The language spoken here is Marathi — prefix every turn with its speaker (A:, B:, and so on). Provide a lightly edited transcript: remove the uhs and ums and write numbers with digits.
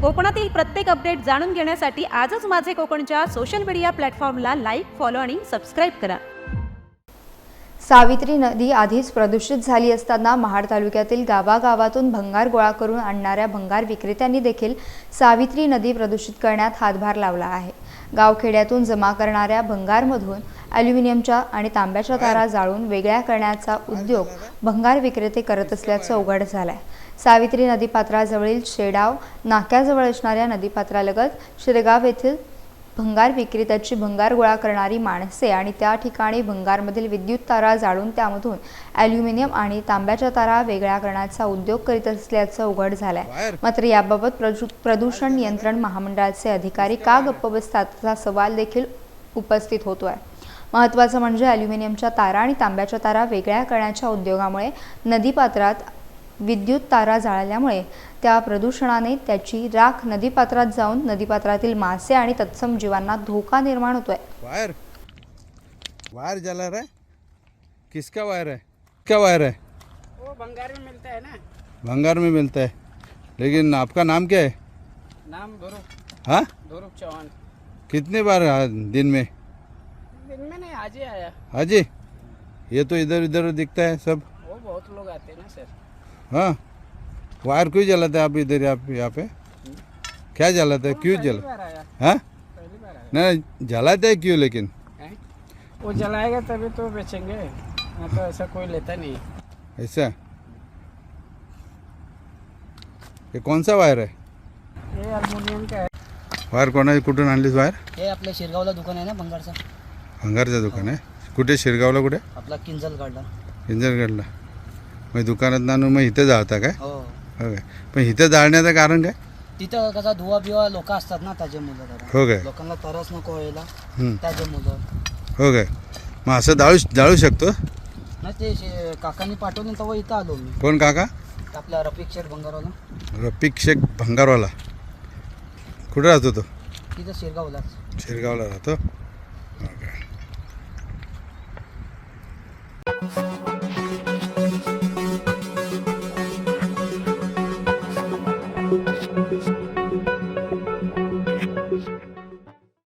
A: कोकणातील प्रत्येक अपडेट जाणून घेण्यासाठी आजच माझे कोकणच्या सोशल मीडिया प्लॅटफॉर्मला लाईक, फॉलो आणि सबस्क्राईब करा.
B: सावित्री नदी आधीच प्रदूषित झाली असताना महाड तालुक्यातील गावागावातून भंगार गोळा करून आणणाऱ्या भंगार विक्रेत्यांनी देखील सावित्री नदी प्रदूषित करण्यात हातभार लावला आहे. गावखेड्यातून जमा करणाऱ्या भंगारमधून ॲल्युमिनियमच्या आणि तांब्याच्या तारा जाळून वेगळ्या करण्याचा उद्योग भंगार विक्रेते करत असल्याचं उघड झालं आहे. सावित्री नदीपात्राजवळील शेडाव नाक्याजवळ असणाऱ्या नदीपात्रालगत शिरगाव येथील भंगार विक्रेत्याची भंगार गोळा करणारी माणसे आणि त्या ठिकाणी भंगारमधील विद्युत तारा जाळून त्यामधून ॲल्युमिनियम आणि तांब्याच्या तारा वेगळ्या करण्याचा उद्योग करीत असल्याचं उघड झालं आहे. मात्र याबाबत प्रदूषण नियंत्रण महामंडळाचे अधिकारी का गप्प बसतात असा सवाल देखील उपस्थित होतोय. महत्त्वाचं म्हणजे ॲल्युमिनियमच्या तारा आणि तांब्याच्या तारा वेगळ्या करण्याच्या उद्योगामुळे नदीपात्रात विद्युत तारा जाळल्यामुळे त्या प्रदूषणाने त्याची राख नदीपात्रात जाऊन नदीपात्रातील मासे आणि तत्सम जीवांना धोका निर्माण होतोय.
C: वायर वायर जला रहा है, किसका वायर है? क्या वायर है?
D: वो भंगार में मिलता है ना.
C: भंगार में मिलता है, लेकिन आपका नाम क्या है?
D: नाम धोरुप.
C: हाँ,
D: धोरुप चौहान.
C: कितनी बार दिन में?
D: दिन में नहीं, आज ही आया.
C: हाजी, ये तो इधर उधर दिखता है सब.
D: वो बहुत लोग आते हैं ना सर.
C: हाँ, वायर क्यों जलाते हैं आप इधर यहाँ पे? क्या जलाते हैं, क्यों
D: पहली
C: जला?
D: बार आया.
C: हाँ,
D: पहली बार आया.
C: नहीं जलाते हैं क्यों लेकिन?
D: हैं? वो जलाएगा तभी तो बेचेंगे, ना तो ऐसा कोई लेता नहीं.
C: ऐसा? ये कौन सा वायर है?
D: ये अल्युमिनियम का है.
C: वायर कोणा कुठून आणलीस वायर?
E: हे आपल्या शिरगावला दुकान आहे ना भंगारचं.
C: भंगारचं दुकान आहे. कुठे शिरगावला कुठे?
E: आपला किंजल गाडला.
C: इंजरगडला. मग दुकानात आणून मग इथे जाळता काय?
E: हो.
C: हो काय? पण इथे जाळण्याचं कारण काय?
E: तिथं कसा धुवा बिवा लोक असतात ना त्याचे मुलं जरा.
C: हो काय?
E: लोकांना तरच नको व्हायला
C: हम्म.
E: त्याचे मुलं.
C: हो काय? मग असं जाळू शकतो?
E: नाही ते काकांनी पाठवलं तेव्हा इथं आलो मी.
C: कोण काका?
E: आपला रफिक शेठ भंगारवाला.
C: रफिक शेख भंगारवाला. कुठे राहतो तो?
E: तिथं शिरगावलाच.
C: शिरगावला राहतो.